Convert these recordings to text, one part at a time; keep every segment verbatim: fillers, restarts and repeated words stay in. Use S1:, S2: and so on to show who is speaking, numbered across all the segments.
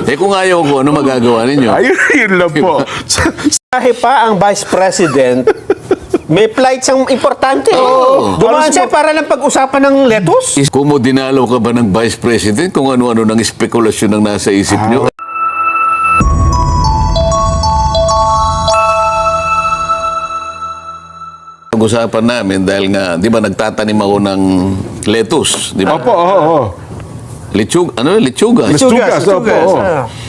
S1: Eh kung ayaw ko, ano magagawa ninyo?
S2: Ayun, yun lang po.
S3: Kahit pa ang Vice President, may flights ang importante.
S1: Oo.
S3: Dumaan siya para lang pag-usapan ng lettuce.
S1: Kung mo dinalaw ka ba ng Vice President kung ano-ano ng espekulasyon ang nasa isip nyo? Pag-usapan namin dahil nga, di ba nagtatanim ako ng lettuce, di ba?
S2: Opo, oo, oo.
S1: Litsug, ano, litsugas.
S2: Litsugas, opo, oo.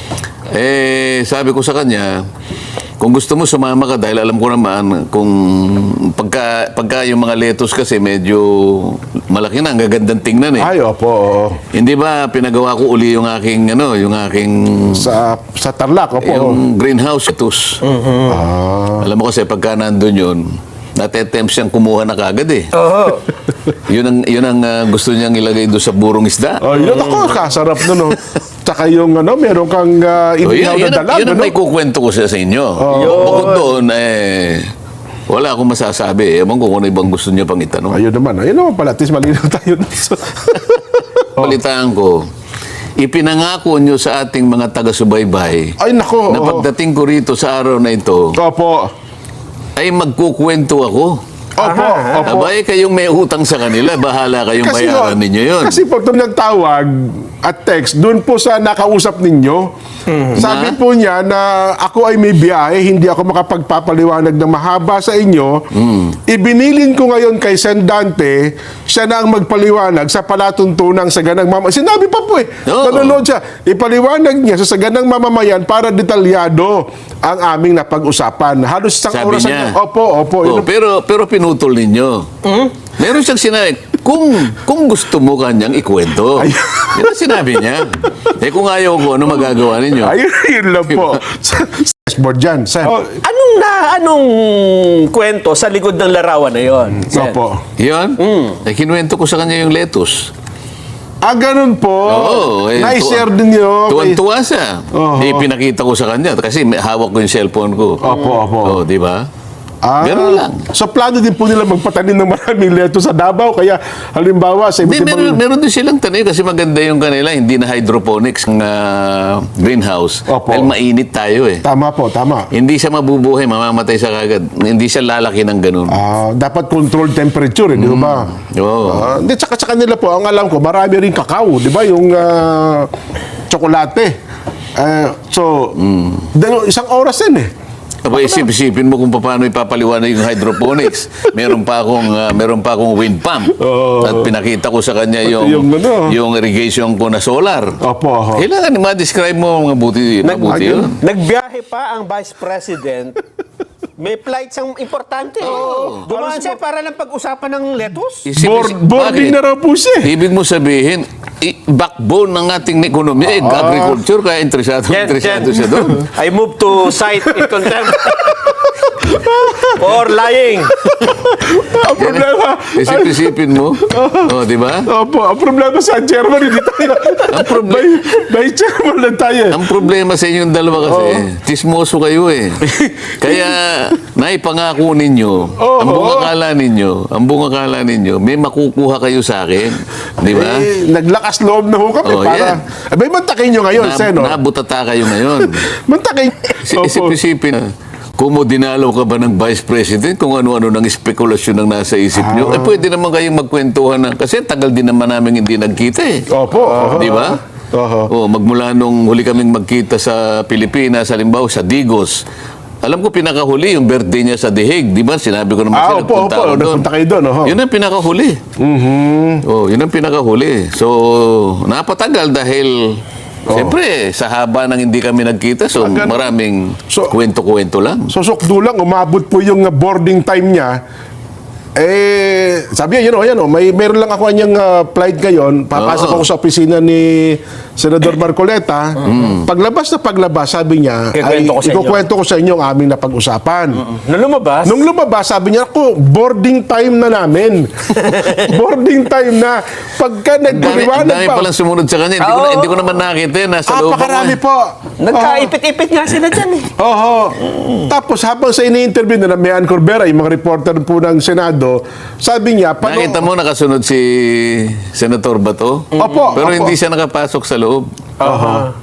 S1: Eh, sabi ko sa kanya, kung gusto mo sumama ka dahil alam ko naman kung pagka, pagka yung mga lettuce kasi medyo malaki na, ang gagandang tingnan eh.
S2: Ay, opo, oo.
S1: Hindi ba pinagawa ko uli yung aking ano, yung aking
S2: Sa, sa Tarlac, opo.
S1: yung greenhouse lettuce.
S2: Ah.
S1: Alam mo kasi pagka nandun yun, natetempt siyang kumuha na kagad eh.
S3: Oo.
S1: Yun ang, yun ang uh, gusto niyang ilagay doon sa burong isda.
S2: Oh, yun ako, kasarap nun, no. Tsaka yung, ano, meron kang uh,
S1: So,
S2: inihaw
S1: yun, yun,
S2: na
S1: ang-
S2: dalag,
S1: yun ang
S2: ano?
S1: may kukwento ko sa sa inyo. Bukod doon, eh, wala akong masasabi. Ewan ko kung ano ibang gusto niya pang itanong.
S2: Ayun naman, ayun naman pala, at least malinaw tayo.
S1: Balitaan ko, ipinangako niyo sa ating mga taga-subaybay
S2: Ay, nako.
S1: na
S2: oo.
S1: pagdating ko rito sa araw na ito,
S2: Opo.
S1: ay magkukwento ako.
S2: Opo, opo.
S1: Abay, kayong may utang sa kanila, bahala kayong
S2: Kasi
S1: bayaran
S2: no,
S1: ninyo yun.
S2: Kasi po, itong nagtawag at text, doon po sa nakausap ninyo, sabi
S1: Na?
S2: po niya na ako ay may biyahe, hindi ako makapagpapaliwanag ng mahaba sa inyo. Ibinilin ko ngayon kay Sen Dante, siya na ang magpaliwanag sa palatuntunang saganang mamamayan. Sinabi pa po eh,
S1: Oo.
S2: nanonood siya. Ipaliwanag niya sa saganang mamamayan para detalyado ang aming napag-usapan. Halos isang
S1: Sabi
S2: oras
S1: niya.
S2: ang- Opo, opo.
S1: Oh,
S2: Yun-
S1: pero, pero pinutol ninyo. Meron siyang sinabi, kung, kung gusto mo kanyang ikwento.
S2: Ay.
S1: Yan ang sinabi niya. Eh kung ayaw ko, ano magagawa ninyo?
S2: Ayun, yun lang po. Dashboard dyan, Sen.
S3: Anong na, anong kwento sa likod ng larawan na yon?
S2: Opo.
S1: Yun? Eh, kinuwento ko sa kanya yung lettuce.
S2: Ah, ganun po.
S1: Oo. Eh,
S2: Na-share
S1: tuwa-
S2: din nyo. kay-
S1: Tuwan-tuwa siya.
S2: Oo.
S1: Eh, pinakita ko sa kanya kasi may hawak ko yung cellphone ko.
S2: Opo, opo.
S1: Oh, di ba?
S2: Ah,
S1: Ganun lang.
S2: So, plano din po nila magpatanim ng maraming leto sa Davao. Kaya, halimbawa, sa
S1: Hindi,
S2: iba't
S1: meron,
S2: ibang...
S1: meron din silang tanim kasi maganda yung kanila. Hindi na hydroponics ng ah, greenhouse.
S2: Opo.
S1: Dahil mainit tayo eh.
S2: Tama po, tama.
S1: Hindi siya mabubuhay, mamamatay sa kagad. Hindi siya lalaki ng ganun.
S2: Ah, dapat controlled temperature, eh, di ba?
S1: Oo.
S2: Ah, Hindi, tsaka sa kanila po, ang alam ko, marami rin kakao, di ba? Yung ah, tsokolate. Eh, so, dalo- isang oras din eh.
S1: Aba, isip-isipin mo kung paano ipapaliwanag yung hydroponics. Meron pa akong ah, meron pa akong wind pump.
S2: Oo.
S1: At pinakita ko sa kanya yung
S2: yung ano.
S1: yung irrigation ko na solar.
S2: Opo, opo.
S1: Kailangan ma-describe mo mga buti, mabuti
S2: ayun.
S1: yun.
S3: Nagbiyahe pa ang Vice President, may flights ang importante. Dumaan siya para lang pag-usapan ng lettuce.
S1: Isip-
S2: Board,
S1: isip-
S2: boarding
S1: bakit?
S2: na raw po siya. eh.
S1: Ibig mo sabihin, i- backbone ng ating ekonomiya, eh, agriculture, kaya interesado,
S3: Jen,
S1: interesado
S3: Jen.
S1: siya doon.
S3: I move to cite in contempt for lying.
S2: Ang problema,
S1: Isip-isipin mo. Oh, di ba?
S2: opo, ang problema sa chairman, hindi tayo.
S1: Ang proble-
S2: By, by chairman lang tayo. eh.
S1: Ang problema sa inyong dalawa kasi, tismoso kayo eh. Kaya, naipangako ninyo, ang buong akala ninyo, ang buong akala ninyo, may makukuha kayo sa akin. Di ba?
S2: Eh, naglakas loob na ho kami
S1: Oh,
S2: para...
S1: yan.
S2: Abay, mantakin nyo ngayon,
S1: Na,
S2: Sen, no?
S1: nabutata kayo ngayon.
S2: Mantakin.
S1: Si-
S2: Opo.
S1: Isip-isipin na, kung mo dinalaw ka ba ng Vice President, kung ano-ano ng espekulasyon ng nasa isip nyo, eh pwede naman kayong magkwentuhan na, kasi tagal din naman namin hindi nagkita eh.
S2: Opo. oho.
S1: Di ba?
S2: Oho.
S1: Oh, magmula nung huli kaming magkita sa Pilipinas, halimbawa sa Digos. Alam ko pinakahuli yung birthday niya sa The Hague, di ba? Sinabi ko naman
S2: Ah,
S1: siya,
S2: opo,
S1: nagpunta
S2: opo.
S1: ako doon.
S2: Nagpunta kayo doon, oho.
S1: Yun ang pinakahuli.
S2: Mhm.
S1: Oh, yun ang pinakahuli. So, napatagal dahil siyempre, sa haba ng hindi kami nagkita, so
S2: Ah, ganun.
S1: maraming
S2: So-
S1: kwento-kwento lang.
S2: So, sukdo lang, umabot po yung uh, boarding time niya. Eh, sabi niya, yun o, yan o, may, meron lang ako kanyang uh, flight ngayon. Papasok
S1: Oo.
S2: ako sa opisina ni Senador Marcoleta. Paglabas na paglabas, sabi niya, ay,
S3: Kikwento ko sa inyo.
S2: ikukwento ko sa inyo ang aming napag-usapan.
S3: Nung lumabas,
S2: Nung lumabas, sabi niya, ako, boarding time na namin. boarding time na. Pagka
S1: Ang dami, ang
S2: nagpaliwanag
S1: dami
S2: pa.
S1: palang sumunod sa kanya. Hindi, ko, na, hindi ko naman nakita. eh. Nasa loob ako.
S2: Apakarami
S1: eh.
S2: po.
S3: nagkaipit-ipit nga sila dyan eh.
S2: Oho. Tapos habang sa ini-interview na Mayan Corbera, yung mga reporter po ng Senado, sabi niya, pano-
S1: Nakita mo nakasunod si Senator Bato?
S2: Opo,
S1: Pero
S2: opo.
S1: hindi siya nakapasok sa loob.
S2: Oho.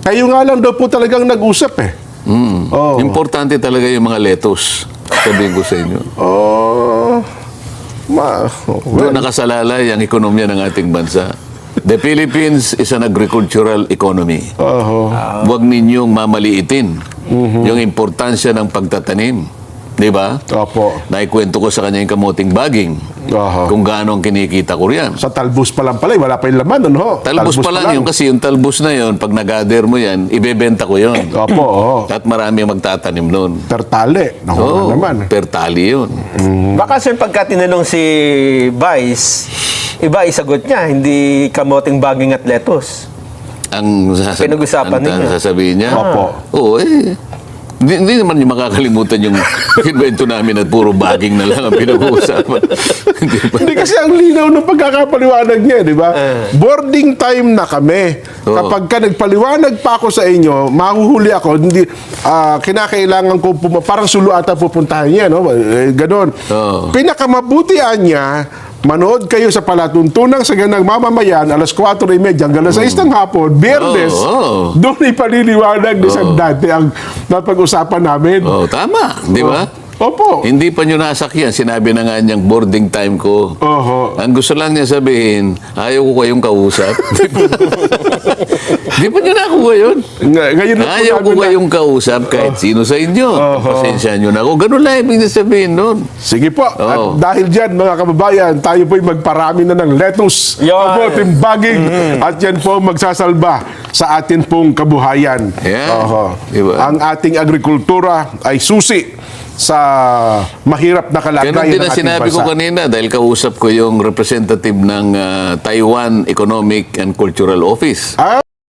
S2: Kayo nga lang daw po talagang nag-usap eh.
S1: Mm.
S2: Oo.
S1: Importante talaga yung mga lettuce. Sabihin ko sa inyo.
S2: Oh, ma, well,
S1: Doon nakasalalay ang ekonomiya ng ating bansa. The Philippines is an agricultural economy.
S2: oho.
S1: Huwag ninyong mamaliitin yung importansya ng pagtatanim. Di ba?
S2: Opo.
S1: Naikwento ko sa kanya yung kamuting baging.
S2: Oho.
S1: Kung gaano ang kinikita ko riyan.
S2: Sa talbos pa lang pala, eh, wala pa yung laman, ano?
S1: Talbos pa lang yun kasi yung talbos na yun, pag nag-gather mo yan, ibebenta ko yun.
S2: Opo, oo.
S1: At marami ang magtatanim nun.
S2: Tertale. Naku
S1: Oo,
S2: na naman.
S1: per tali yun.
S3: Baka sir, pagka tinanong si Vice, iba isagot niya, hindi kamoting baging at lettuce.
S1: Ang, sasab-
S3: Pinag-usapan
S1: ang, ang
S3: ninyo.
S1: sasabihin niya.
S2: Opo.
S1: Oo, eh. Hindi, hindi naman yung makakalimutan yung invento namin at puro baging na lang ang pinag-uusapan. Hindi ba?
S2: Hindi kasi ang linaw ng pagkakapaliwanag niya, di ba? Boarding time na kami.
S1: Oo.
S2: Kapag ka nagpaliwanag pa ako sa inyo, mahuhuli ako, hindi, ah, kinakailangan ko, pum- parang sulu ata pupuntahan niya, no? Eh, ganon.
S1: Oo.
S2: Pinakamabutian niya, manood kayo sa palatuntunang sa ganang mamamayan, alas kwatro y media hanggang alas sais ng hapon, Biyernes,
S1: Oo.
S2: doon ipaliliwanag ni Sandante ang napag-usapan namin.
S1: Oh, tama, di ba?
S2: Opo.
S1: Hindi pa nyo nasakyan. Sinabi na nga niyang boarding time ko.
S2: Oho.
S1: Ang gusto lang niya sabihin, ayaw ko kayong kausap. Di ba? Di pa nyo nakuha yun?
S2: Nga- Ngayon na po
S1: Ayaw ko
S2: namin na-
S1: kayong kausap kahit sino sa inyo. Pasensya nyo na ako. Ganun lang ibig na sabihin nun.
S2: Sige po. At
S1: Oo.
S2: dahil dyan, mga kababayan, tayo po'y magparami na ng lettuce,
S3: Yan.
S2: kamoting baging, at yan po magsasalba sa atin pong kabuhayan.
S1: Yan.
S2: Oho.
S1: Diba?
S2: Ang ating agrikultura ay susi sa mahirap na kalagayan
S1: Ganun din
S2: ng
S1: ang
S2: ating
S1: sinabi ko
S2: bansa.
S1: kanina dahil kausap ko yung representative ng ah, Taiwan Economic and Cultural Office.
S2: Ah,